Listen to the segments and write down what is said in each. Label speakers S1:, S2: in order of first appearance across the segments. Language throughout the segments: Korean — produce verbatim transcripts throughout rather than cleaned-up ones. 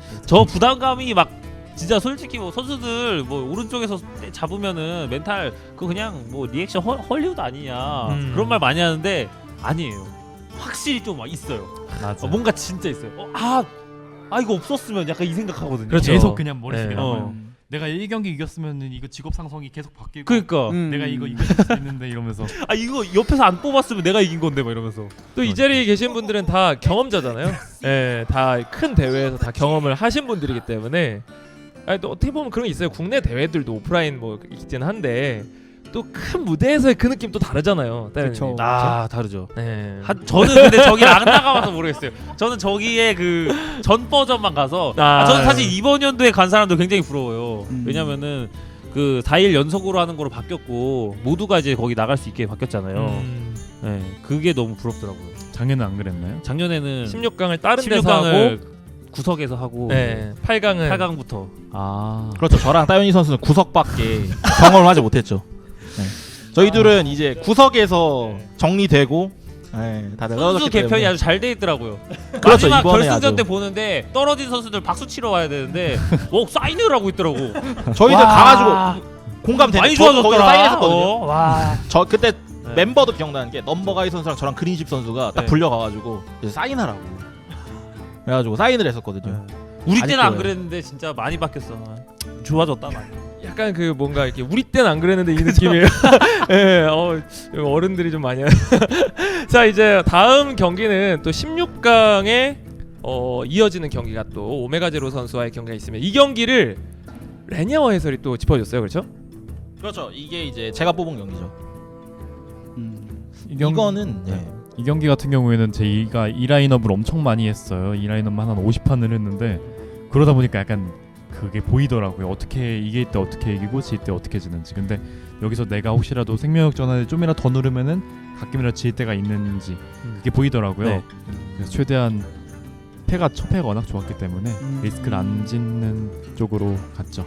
S1: 저 부담감이 막 진짜 솔직히 뭐 선수들 뭐 오른쪽에서 잡으면은 멘탈 그거 그냥 뭐 리액션 헐, 헐리우드 아니냐
S2: 음.
S1: 그런 말 많이 하는데 아니에요. 확실히 좀 막 있어요.
S2: 맞아.
S1: 어, 뭔가 진짜 있어요. 어, 아, 아 이거 없었으면 약간 이 생각하거든요.
S2: 그렇죠. 계속 그냥 머릿속에
S1: 네.
S2: 남아요.
S1: 어.
S2: 내가 일 경기 이겼으면은 이거 직업 상성이 계속 바뀌고.
S1: 그러니까
S3: 음.
S2: 내가 이거 이길 수 있는데 이러면서.
S1: 아 이거 옆에서 안 뽑았으면 내가 이긴 건데 막 이러면서.
S4: 또 이 자리에 계신 분들은 다 경험자잖아요. 예, 다 큰 대회에서 다 경험을 하신 분들이기 때문에 아니, 또 어떻게 보면 그런 게 있어요. 국내 대회들도 오프라인 뭐 있긴 한데 또 큰 무대에서의 그 느낌 또 다르잖아요.
S3: 그쵸.
S1: 아 다르죠.
S4: 네.
S1: 한, 저는 근데 저기 안 나가봐서 모르겠어요. 저는 저기에 그 전 버전만 가서
S4: 아,
S1: 아, 저는 사실
S4: 네.
S1: 이번 연도에 간 사람도 굉장히 부러워요.
S3: 음.
S1: 왜냐면은 그 사 일 연속으로 하는 거로 바뀌었고 모두가 이제 거기 나갈 수 있게 바뀌었잖아요.
S4: 음,
S1: 네, 그게 너무 부럽더라고요.
S2: 작년은 안 그랬나요?
S1: 작년에는
S4: 십육 강을 다른
S1: 십육
S4: 데서 하고
S1: 강을 구석에서 하고
S4: 네, 팔 강은
S1: 팔 강부터
S2: 아.
S5: 그렇죠. 저랑 따윤이 선수는 구석밖에 경험을 하지 못했죠. 네. 저희들은 이제 구석에서
S1: 네.
S5: 정리되고 네, 다들
S1: 선수
S5: 떨어졌기
S1: 개편이
S5: 때문에.
S1: 아주 잘 돼 있더라고요.
S5: 그렇죠.
S1: 마지막
S5: 이번에
S1: 결승전
S5: 아주.
S1: 때 보는데 떨어진 선수들 박수 치러 와야 되는데 뭐 사인을 하고 있더라고.
S5: 저희들
S1: 와.
S5: 가가지고 공감되네.
S1: 많이
S5: 저도 거기서
S1: 좋아졌더라.
S5: 사인했었거든요.
S1: 어, 와.
S5: 저 그때
S1: 네.
S5: 멤버도 기억나는 게 넘버가이 선수랑 저랑 그린십 선수가 딱
S1: 네.
S5: 불려가가지고 이제 사인하라고 그래가지고 사인을 했었거든요.
S1: 우리 때는 안
S5: 아직도요.
S1: 그랬는데 진짜 많이 바뀌었어. 좋아졌다 많이.
S4: 약간 그 뭔가 이렇게 우리 때는 안 그랬는데 이 느낌이에요. 예, 어, 어른들이 좀 많이. 자 이제 다음 경기는 또 십육 강에 어, 이어지는 경기가 또 오메가 제로 선수와의 경기가 있으면 이 경기를 레니아워 해설이 또 짚어줬어요, 그렇죠?
S5: 그렇죠. 이게 이제 제가 뽑은 경기죠.
S3: 음.
S2: 이 경-
S5: 이거는 네.
S2: 이 경기 같은 경우에는 저희가 이 라인업을 엄청 많이 했어요. 이 라인업만 한 오십 판을 했는데 그러다 보니까 약간 그게 보이더라고요. 어떻게 이길 때 어떻게 이기고 질 때 어떻게 지는지. 근데 여기서 내가 혹시라도 생명력 전환을 좀이라도 더 누르면은 가끔이라도 질 때가 있는지 그게 보이더라고요.
S1: 네.
S2: 그래서 최대한 패가 첫 패가 워낙 좋았기 때문에
S3: 음.
S2: 리스크를 안 짓는 쪽으로 갔죠.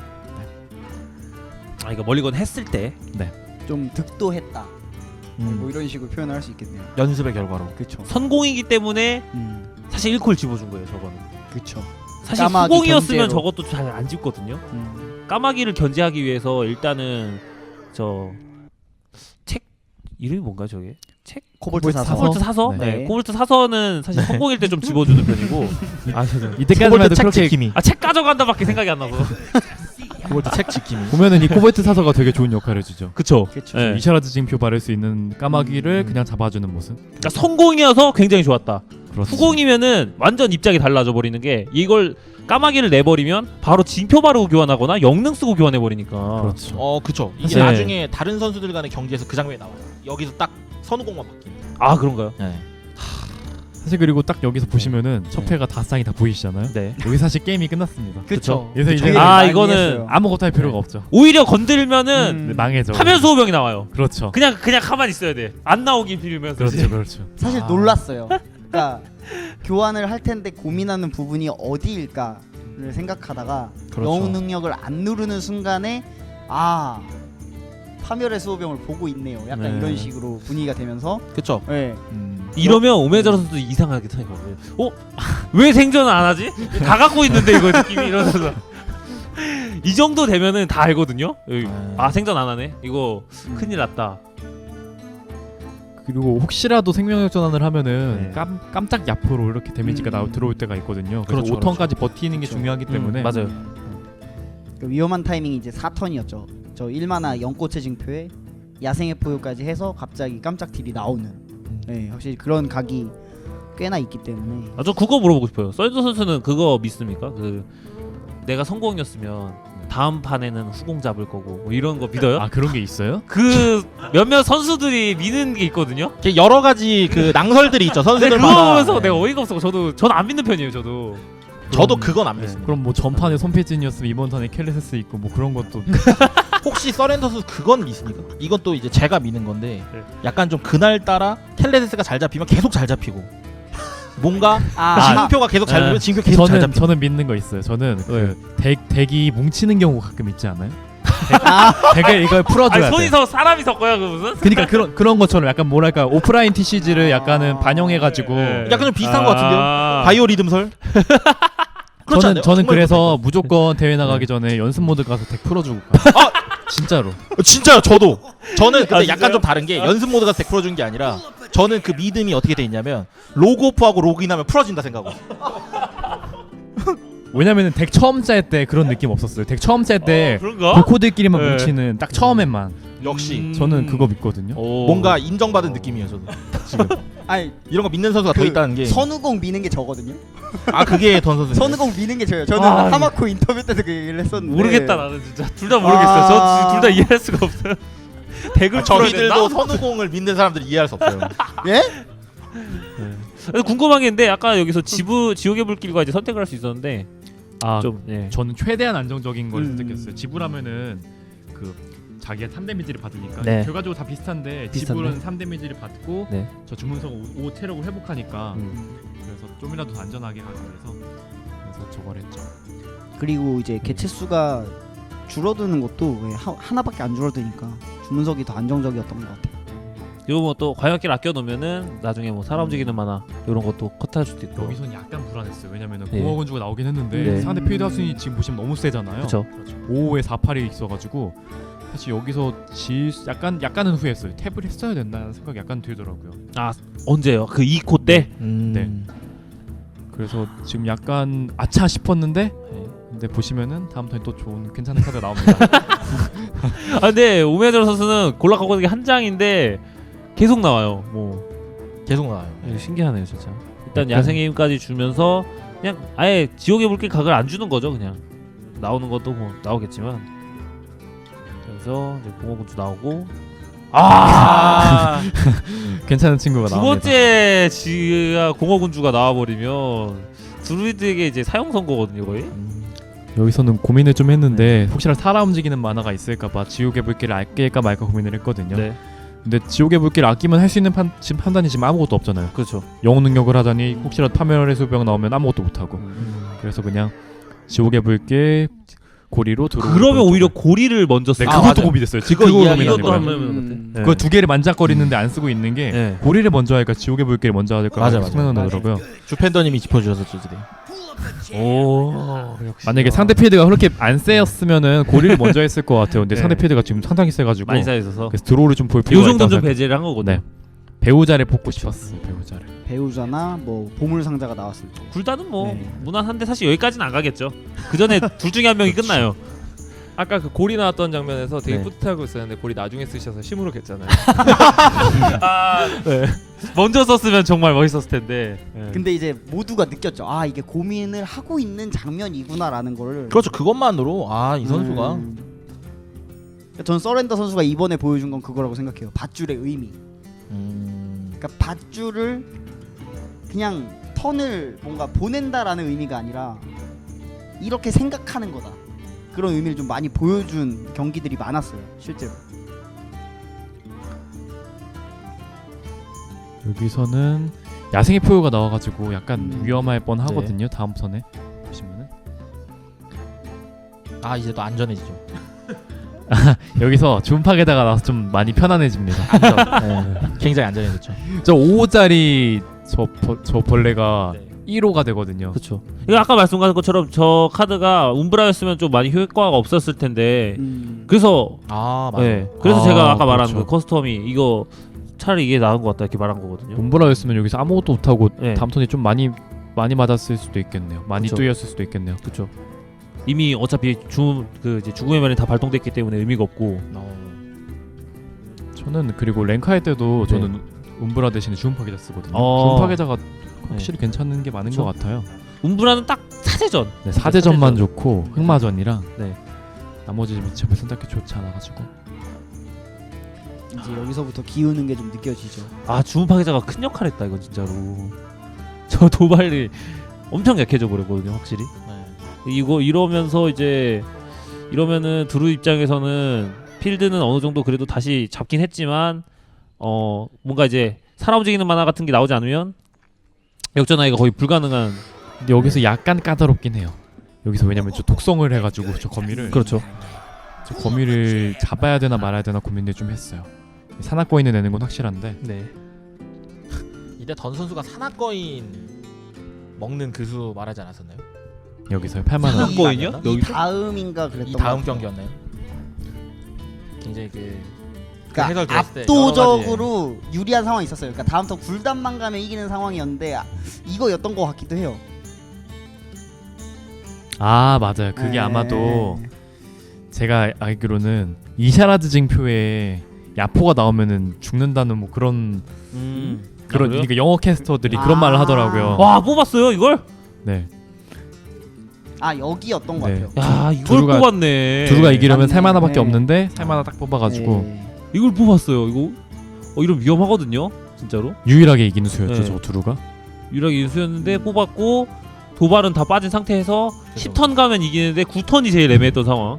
S1: 아 이거 멀리건 했을 때
S3: 좀 득도했다.
S5: 음,
S3: 뭐 이런 식으로 표현을 할 수 있겠네요.
S5: 연습의 결과로.
S3: 그렇죠.
S1: 선공이기 때문에
S3: 음.
S1: 사실 일 콜 집어준 거예요 저거는.
S3: 그렇죠.
S1: 사실
S3: 까마귀
S1: 후공이었으면
S3: 견제로.
S1: 저것도 잘 안 집거든요.
S3: 음.
S1: 까마귀를 견제하기 위해서 일단은 저 책 이름이 뭔가 저게? 책?
S3: 코볼트 사서.
S1: 코볼트 사서?
S2: 네.
S1: 네.
S3: 네.
S1: 코볼트 사서는 사실 선공일 때 좀 집어주는 편이고 아 죄송해요.
S2: 이때까지만 해도
S5: 책
S2: 그렇게
S5: 지킴이.
S1: 아 책 가져간다밖에 생각이 안 나서.
S5: 그걸 책 지킴이.
S2: 보면은 이 코베트 사서가 되게 좋은 역할을 해주죠.
S1: 그쵸.
S3: 그렇죠.
S1: 네.
S2: 이샤라드 징표 바를 수 있는 까마귀를
S3: 음.
S2: 그냥 잡아주는 모습.
S1: 그러니까 성공이어서 굉장히 좋았다.
S2: 그렇죠.
S1: 후공이면은 완전 입장이 달라져 버리는 게 이걸 까마귀를 내버리면 바로 징표 바르고 교환하거나 영능 쓰고 교환해 버리니까.
S2: 그렇죠.
S5: 어 그쵸. 이게
S2: 사실-
S5: 나중에 다른 선수들 간의 경기에서 그 장면이 나와요. 여기서 딱 선우공만 바뀝니다.
S1: 아 그런가요?
S5: 네.
S2: 사실 그리고 딱 여기서 보시면은 첫
S5: 네.
S2: 패가 다쌍이 다 보이시잖아요.
S1: 네.
S2: 여기 사실 게임이 끝났습니다.
S3: 그렇죠.
S2: 그래서 이제
S1: 아,
S3: 많이
S1: 이거는
S3: 했어요.
S2: 아무것도 할 필요가 없죠.
S1: 오히려 건드리면은
S2: 네, 망해져.
S1: 화면 소호병이 나와요.
S2: 그렇죠.
S1: 그냥 그냥 가만히 있어야 돼. 안 나오긴 빌면서.
S2: 그렇죠, 그렇죠.
S3: 사실
S2: 아.
S3: 놀랐어요. 그러니까 교환을 할 텐데 고민하는 부분이 어디일까를 생각하다가
S5: 그렇죠.
S3: 영웅 능력을 안 누르는 순간에 아 파멸의 수호병을 보고 있네요. 약간
S2: 네.
S3: 이런 식으로 분위기가 되면서
S5: 그쵸.
S3: 네.
S5: 음.
S1: 이러면 오메자로 선수 이상하게 생각해요. 어? 왜 생존을 안 하지? 다 갖고 있는데 이거 느낌이 이러면서. 이 정도 되면은 다 알거든요. 여기. 아 생존 안 하네. 이거
S3: 음.
S1: 큰일 났다.
S2: 그리고 혹시라도 생명력 전환을 하면은
S1: 네.
S2: 깜, 깜짝 야포로 이렇게 데미지가
S3: 음.
S2: 나오 들어올 때가 있거든요. 그래서
S5: 그렇죠,
S2: 오 턴까지 버티는 게
S3: 그렇죠.
S2: 중요하기 때문에
S1: 음, 맞아요.
S3: 그 위험한 타이밍이 이제 사 턴이었죠. 저 일 마나 연꽃의 징표에 야생의 포효까지 해서 갑자기 깜짝 딜이 나오는. 네, 확실히 그런 각이 꽤나 있기 때문에.
S1: 아, 저 그거 물어보고 싶어요. 썰저 선수는 그거 믿습니까? 그 내가 성공이었으면 다음 판에는 후공 잡을 거고 뭐 이런 거 믿어요?
S2: 아 그런 게 있어요?
S1: 그 몇몇 선수들이 믿는 게 있거든요.
S5: 이렇게 여러 가지 그 낭설들이 있죠.
S1: 근데 그거
S5: 선수들마다.
S1: 보면서
S5: 네.
S1: 내가 어이가 없어. 저도 저는 안 믿는 편이에요. 저도.
S5: 저도
S2: 그럼-
S5: 그건 안
S1: 네.
S5: 믿습니다.
S2: 그럼 뭐 전판에 손패진이었으면 이번 턴에 켈레세스 있고 뭐 그런 것도
S5: 혹시 서렌더 선수 그건 믿습니까? 이건 또 이제 제가 믿는 건데
S1: 네.
S5: 약간 좀 그날 따라 켈레세스가 잘 잡히면 계속 잘 잡히고 뭔가
S3: 아,
S5: 징표가 계속 잘
S1: 아,
S5: 잡히면 징표 계속 잘
S2: 저는
S5: 잡히고
S2: 저는 믿는 거 있어요. 저는 그 덱, 덱이 뭉치는 경우가 가끔 있지 않아요?
S3: 아,
S2: 덱을 이걸 풀어줘야
S1: 아니 손이
S2: 돼.
S1: 서 사람이 섞어요 그 무슨?
S2: 그러니까 그런 그런 것처럼 약간 뭐랄까 오프라인 티씨지를 약간은
S3: 아.
S2: 반영해가지고
S1: 네.
S5: 약간 좀 비슷한 것 같은데요?
S1: 아.
S5: 바이오 리듬설? 그렇지
S2: 저는
S5: 않아요?
S2: 저는
S5: 정말
S2: 그래서 무조건 대회 나가기 전에 연습 모드 가서 덱 풀어주고 가요. 진짜로.
S5: 어, 진짜요. 저도. 저는 근데
S1: 아,
S5: 약간
S1: 진짜요?
S5: 좀 다른 게 연습 모드가 덱 풀어준 게 아니라 저는 그 믿음이 어떻게 돼 있냐면 로그오프하고 로그인하면 풀어진다 생각하고.
S2: 왜냐면은 덱 처음 짤 때 그런 느낌 없었어요. 덱 처음 짤 때
S1: 그런가?
S2: 고코들끼리만
S1: 네.
S2: 뭉치는 딱 처음에만.
S5: 역시
S1: 음.
S2: 저는 그거 믿거든요.
S1: 오.
S5: 뭔가 인정받은 느낌이에요. 저도 지금
S3: 아니
S5: 이런 거 믿는 선수가 더
S3: 그
S5: 있다는 게.
S3: 선우공 미는 게 저거든요.
S5: 아 그게 던 선수.
S3: 선우공 미는 게 저예요. 저는
S1: 아,
S3: 하마코 인터뷰 때도 그 얘기를 했었는데
S1: 모르겠다 나는 진짜 둘 다 모르겠어요. 저 둘 다 이해할 수가 없어요. 덱을
S5: 아,
S1: 풀어야
S5: 저희들도
S1: 된다?
S5: 선우공을 믿는 사람들이 이해할 수 없어요.
S3: 예?
S1: 근데 궁금한 게 있는데 아까 여기서 지부 지옥의 불길과 이제 선택을 할 수 있었는데
S2: 아,
S1: 좀 예.
S2: 저는 최대한 안정적인 걸
S3: 음.
S2: 선택했어요. 지불하면은 그 자기가 삼 데미지를 받으니까
S1: 네.
S2: 결과적으로 다 비슷한데
S1: 비슷한데?
S2: 지불은 삼 데미지를 받고
S1: 네.
S2: 저 주문서가 오 체력을 회복하니까
S1: 음.
S2: 그래서 좀이라도 더 안전하게 가기 위해서 그래서 저걸 했죠.
S3: 그리고 이제 개체 수가 줄어드는 것도 왜 하, 하나밖에 안 줄어드니까 주문석이 더 안정적이었던 것 같아요.
S1: 이거 뭐 또 과격기를 아껴 놓으면은 나중에 뭐 사람 움직이는 만화 이런 것도 컷할 수도 있고.
S2: 여기선 약간 불안했어요. 왜냐면은
S1: 네.
S2: 공허군주가 나오긴 했는데
S1: 네.
S2: 상대 필드 하순이 지금 보시면 너무 세잖아요.
S1: 그렇죠.
S2: 오에 사, 팔이 있어가지고 사실 여기서 질 수- 약간 약간은 후회했어요. 탭을 했어야 된다는 생각이 약간 들더라고요.
S1: 언제요? 그 이 코 때?
S5: 음.
S2: 네. 그래서 지금 약간 아차 싶었는데
S1: 네.
S2: 근데 보시면은 다음 턴에 또 좋은 괜찮은 카드가 나옵니다.
S1: 아 근데 오메드로 선수는 골라가고 있는 게 한 장인데 계속 나와요. 뭐
S5: 계속 나와요.
S1: 이거 신기하네요 진짜. 일단
S2: 약간-
S1: 야생의 힘까지 주면서 그냥 아예 지옥의 불길 각을 안 주는 거죠 그냥. 나오는 것도 뭐 나오겠지만. 그래서 이제 공허군주 나오고 아!
S2: 괜찮은 친구가
S1: 두
S2: 나옵니다.
S1: 번째 지가 공허군주가 나와버리면 드루이드에게 이제 사형 선고거든요 거의.
S2: 여기서는 고민을 좀 했는데 혹시나 살아 움직이는 만화가 있을까봐 지옥의 불길을 아낄까 말까 고민을 했거든요.
S1: 네,
S2: 근데 지옥의 불길을 아끼면 할 수 있는 판, 지금 판단이 지금 아무것도 없잖아요.
S1: 그렇죠.
S2: 영웅 능력을 하자니 혹시라도 파멸의 수병 나오면 아무것도 못하고 그래서 그냥 지옥의 불길 고리로 들어.
S1: 그러면 오히려 고리를 먼저
S2: 네,
S1: 쓰.
S5: 아,
S2: 그것도
S5: 맞아요.
S2: 고민됐어요.
S5: 그거
S2: 지금 그거
S5: 이야기
S2: 고민하는
S1: 이것도
S2: 거예요.
S1: 한번 해보는
S3: 음.
S1: 것 같아.
S2: 그 두 개를 만작거리는데 안 쓰고 있는 게
S1: 네.
S2: 고리를 먼저 하니까 지옥의 불길을 먼저 하니까
S5: 맞아, 맞아.
S2: 생각나더라고요.
S5: 주팬더님이 짚어주셔서 저들이.
S1: 오. 역시.
S2: 만약에 상대 필드가 그렇게 안 세였으면은 고리를 먼저 했을 것 같아요. 근데
S1: 네.
S2: 상대 필드가 지금 상당히 세가지고
S1: 많이 쌓여 있어서
S2: 그래서 드로우를 좀 볼
S1: 요
S2: 필요가
S1: 정도
S2: 있다고
S1: 좀
S2: 생각-
S1: 배제를 한 거거든요.
S2: 네. 배우자를 뽑고 싶었어요. 배우자를.
S3: 배우자나 뭐 보물 상자가 나왔을 때.
S1: 굴다는 뭐
S3: 네.
S1: 무난한데 사실 여기까지는 안 가겠죠. 그 전에 둘 중에 한 명이 끝나요.
S4: 아까 그 고리 나왔던 장면에서 되게
S1: 네.
S4: 뿌듯하고 있었는데 고리 나중에 쓰셔서 심으로 겠잖아요.
S1: 아, 네. 먼저 썼으면 정말 멋있었을 텐데. 네.
S3: 근데 이제 모두가 느꼈죠. 아 이게 고민을 하고 있는 장면이구나라는 거를.
S5: 그렇죠. 그것만으로 아 이 선수가
S3: 음. 전 서렌더 선수가 이번에 보여준 건 그거라고 생각해요. 밧줄의 의미.
S5: 음.
S3: 그러니까 밧줄을 그냥 턴을 뭔가 보낸다라는 의미가 아니라 이렇게 생각하는 거다. 그런 의미를 좀 많이 보여준 경기들이 많았어요. 실제로.
S2: 여기서는 야생의 포효가 나와가지고 약간
S3: 음.
S2: 위험할 뻔하거든요. 다음 턴에 보시면은
S5: 아 이제 또 안전해지죠.
S2: 여기서 준팍에다가 나와서 좀 많이 편안해집니다.
S5: 네. 굉장히 안전해졌죠.
S2: 저 오 호짜리 저, 벌- 저 벌레가
S1: 네.
S2: 일 호가 되거든요.
S1: 그렇죠. 이거 아까 말씀하신 것처럼 저 카드가 움브라였으면 좀 많이 효과가 없었을 텐데.
S3: 음.
S1: 그래서
S5: 아 맞아요.
S1: 네. 그래서
S2: 아,
S1: 제가 아까 말한
S2: 그렇죠.
S1: 그 커스텀이 이거 차라리 이게 나은 것 같다 이렇게 말한 거거든요.
S2: 몬브라였으면 여기서 아무것도 못하고
S1: 네.
S2: 다음 턴에 좀 많이 많이 맞았을 수도 있겠네요. 많이
S1: 그쵸.
S2: 뚫렸을 수도 있겠네요.
S1: 그렇죠. 이미 어차피 죽그 이제 죽음의 면이 다 발동됐기 때문에 의미가 없고.
S5: 어.
S2: 저는 그리고 랭카할 때도
S1: 네.
S2: 저는 움브라 대신에 주문 파괴자 쓰거든요.
S1: 어.
S2: 주문 파괴자가 확실히 괜찮은 게 많은
S1: 그쵸.
S2: 것 같아요.
S1: 움브라는 딱 사제전.
S2: 네, 사제전만
S1: 사제전.
S2: 좋고 흑마전이랑
S1: 네.
S2: 나머지 미첩을 선택해 좋지 않아가지고
S3: 이제 여기서부터 기우는 게 좀 느껴지죠.
S1: 아 주문 파괴자가 큰 역할 했다 이건 진짜로. 저 도발이 엄청 약해져 버렸거든요 확실히.
S5: 네.
S1: 이거 이러면서 이제 이러면은 드루 입장에서는 필드는 어느 정도 그래도 다시 잡긴 했지만 어 뭔가 이제 살아 움직이는 만화 같은 게 나오지 않으면 역전하기가 거의 불가능한.
S2: 근데 여기서 약간 까다롭긴 해요. 여기서 왜냐면 저 독성을 해가지고 저 거미를
S1: 그렇죠.
S2: 저 거미를 잡아야 되나 말아야 되나 고민을 좀 했어요. 산악거인을 내는 건 확실한데
S1: 네.
S5: 이때 던 선수가 산악거인 먹는 그 수 말하지 않았었나요?
S2: 여기서요. 팔만 원.
S5: 거인이요?
S3: 이
S5: 여기서?
S3: 다음인가 그랬던
S5: 이
S3: 것
S5: 다음
S3: 같아요.
S5: 경기였나요? 굉장히 그
S3: 그러니까
S5: 해설 들었을 때
S3: 압도적으로 유리한 상황이 있었어요. 그러니까 다음 턴 굴단만 가면 이기는 상황이었는데 아, 이거였던 것 같기도 해요.
S2: 아 맞아요. 그게
S3: 네.
S2: 아마도 제가 알기로는 이샤라드 징표에 야포가 나오면은 죽는다는 뭐 그런
S1: 음.
S2: 그런
S1: 아, 그래요?
S2: 그러니까 영어 캐스터들이
S3: 아.
S2: 그런 말을 하더라고요.
S1: 와 뽑았어요 이걸?
S2: 네.
S3: 아 여기였던 것
S2: 네.
S3: 같아요.
S1: 야 이걸
S2: 두루가-
S1: 뽑았네.
S2: 두루가 이기려면
S3: 맞네.
S2: 살만화밖에
S3: 네.
S2: 없는데 살만화 딱 뽑아가지고
S3: 네.
S1: 이걸 뽑았어요. 이거 어 이런 위험하거든요. 진짜로.
S2: 유일하게 이기는 수였죠.
S1: 네.
S2: 저 두루가.
S1: 유일하게 인수였는데 뽑았고 도발은 다 빠진 상태에서 십 턴 가면 이기는데 구 턴이 제일 애매했던 상황.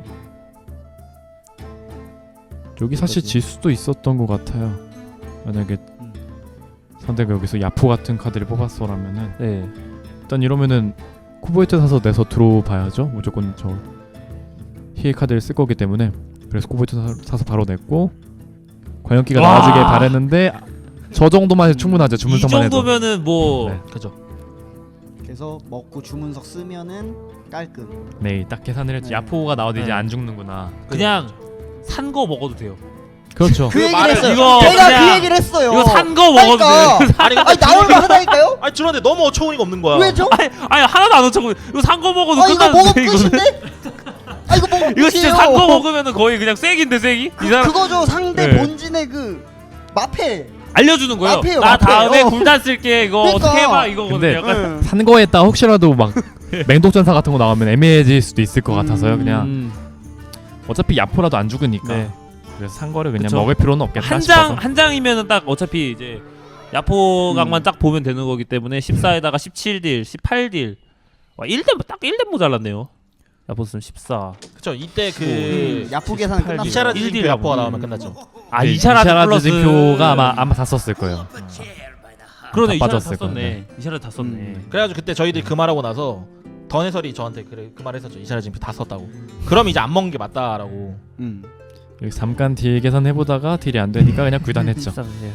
S2: 여기 사실 질 수도 있었던 것 같아요. 만약에
S3: 음.
S2: 상대가 여기서 야포 같은 카드를 뽑았어라면은
S1: 네.
S2: 일단 이러면은 쿠보이트 사서 내서 들어봐야죠. 무조건 저 희의 카드를 쓸 거기 때문에 그래서 쿠보이트 사, 사서 바로 냈고 관현기가
S1: 와.
S2: 나와주길 바랬는데 저 정도만 해도 충분하죠.
S1: 이
S2: 주문서만 해도.
S1: 정도면은 뭐
S2: 네.
S5: 그죠.
S3: 그래서 먹고 주문석 쓰면은 깔끔.
S2: 네, 딱 계산을 했죠.
S3: 네.
S2: 야포가 나와도 이제
S1: 네.
S2: 안 죽는구나.
S1: 그냥 산 거 먹어도 돼요.
S2: 그렇죠.
S3: 그 얘기를
S5: 말을-
S3: 했어요.
S1: 이거
S3: 제가
S1: 그냥-
S3: 그 얘기를 했어요.
S1: 이거 산 거 먹어도
S3: 그러니까.
S1: 돼요.
S5: 아니 근데
S3: 아니 나올만 하다니까요?
S5: 아니 들었는데 너무 어처구니가 없는 거야.
S3: 왜죠?
S1: 아니, 아니 하나도 안 어쩌고 이거 산 거 먹어도
S3: 아 이거
S1: 끝나는데
S3: 먹으면
S1: 이거는.
S3: 끝인데? 아 이거 먹으면
S1: 이거 진짜
S3: 끝이에요.
S1: 산 거 먹으면은 거의 그냥 쐐기인데 쐐기?
S3: 그,
S1: 이 사람
S3: 그거죠 상대
S1: 네.
S3: 본진의 그 마패.
S1: 알려주는 거예요.
S3: 마패요,
S1: 나
S3: 마패.
S1: 다음에
S3: 어.
S1: 굴단 쓸게 이거
S3: 그러니까.
S1: 어떻게 해봐 이거거든요.
S2: 근데
S1: 약간.
S3: 응.
S2: 산 거에다가 혹시라도 막 맹독전사 같은 거 나오면 애매해질 수도 있을 것 같아서요. 그냥
S1: 음.
S2: 어차피 야포라도 안 죽으니까.
S1: 네.
S2: 그래서 산 거를 그냥
S1: 그쵸.
S2: 먹을 필요는 없겠다
S1: 한
S2: 싶어서.
S1: 장 한 장이면은 딱 어차피 이제 야포각만
S3: 음.
S1: 딱 보면 되는 거기 때문에 십사에다가 십칠 딜, 십팔 딜. 와 일 댐 딱 일 댐 모자랐네요. 야포 쓰면 십사.
S5: 그쵸. 이때 그
S3: 음, 야포 계산
S1: 십팔
S3: 끝났어요.
S5: 이샤라드
S1: 일 딜
S5: 징표 야포가
S1: 음.
S5: 나오면 끝났죠.
S1: 아
S2: 네,
S1: 이샤라드, 플러스
S2: 징표가 아마 아마 다 썼을 거예요.
S1: 그러네
S2: 다
S1: 이샤라드 다
S2: 빠졌을
S1: 썼네.
S2: 건데.
S1: 이샤라드 다 썼네.
S3: 음.
S5: 그래가지고 그때 저희들이 그 말하고 나서 던 해설이 저한테 그래 그 말했었죠. 이샤라드 징표 다 썼다고. 그럼 이제 안 먹는 게 맞다라고.
S3: 음.
S2: 여기 잠깐 딜 계산 해보다가 딜이 안 되니까 그냥 굴단했죠.
S1: 십삼 딜.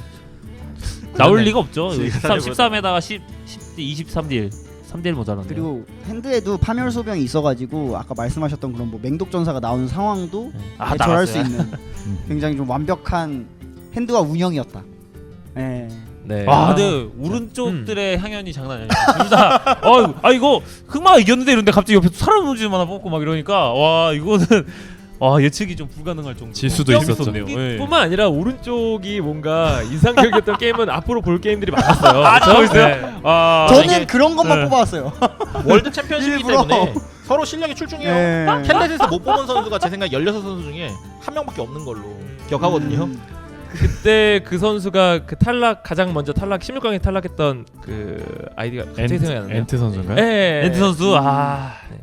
S1: 나올 리가 없죠.
S5: 네.
S1: 십삼, 십삼에다가 십, 십, 이십삼 딜. 삼 딜 모자랐네.
S3: 그리고 핸드에도 파멸 소병이 있어가지고 아까 말씀하셨던 그런 뭐 맹독 전사가 나오는 상황도
S1: 아,
S3: 대처할 수
S1: 나갔어요.
S3: 있는
S2: 음.
S3: 굉장히 좀 완벽한 핸드와 운영이었다. 예.
S5: 네.
S1: 아, 근데 오른쪽들의 향연이 장난 아니야. 둘 다. 어, 아 이거 흑마가 이겼는데 이런데 갑자기 옆에 사람 움직임 하나 뽑고 막 이러니까 와 이거는 와 예측이 좀 불가능할 정도.
S2: 질 수도 있었죠.
S1: 네.
S4: 뿐만 아니라 오른쪽이 뭔가 인상적이었던 게임은 앞으로 볼 게임들이 많았어요.
S1: 아,
S4: 그렇죠?
S1: 저거 있어요?
S4: 네.
S1: 아,
S3: 저는
S5: 이게-
S3: 그런 것만
S1: 네.
S3: 뽑아왔어요.
S5: 월드 챔피언십이기
S3: 일부러.
S5: 때문에 서로 실력이 출중해요.
S3: 예.
S5: 캔넷에서 못 뽑은 선수가 제 생각에 열여섯 선수 중에 한 명밖에 없는 걸로 기억하거든요.
S3: 음.
S4: 그때 그 선수가 그 탈락 가장 먼저 탈락 십육 강에 탈락했던 그 아이디가 갑자기 생각이 안 나요.
S2: 엔트 선수인가요?
S4: 예.
S1: 엔트 선수 아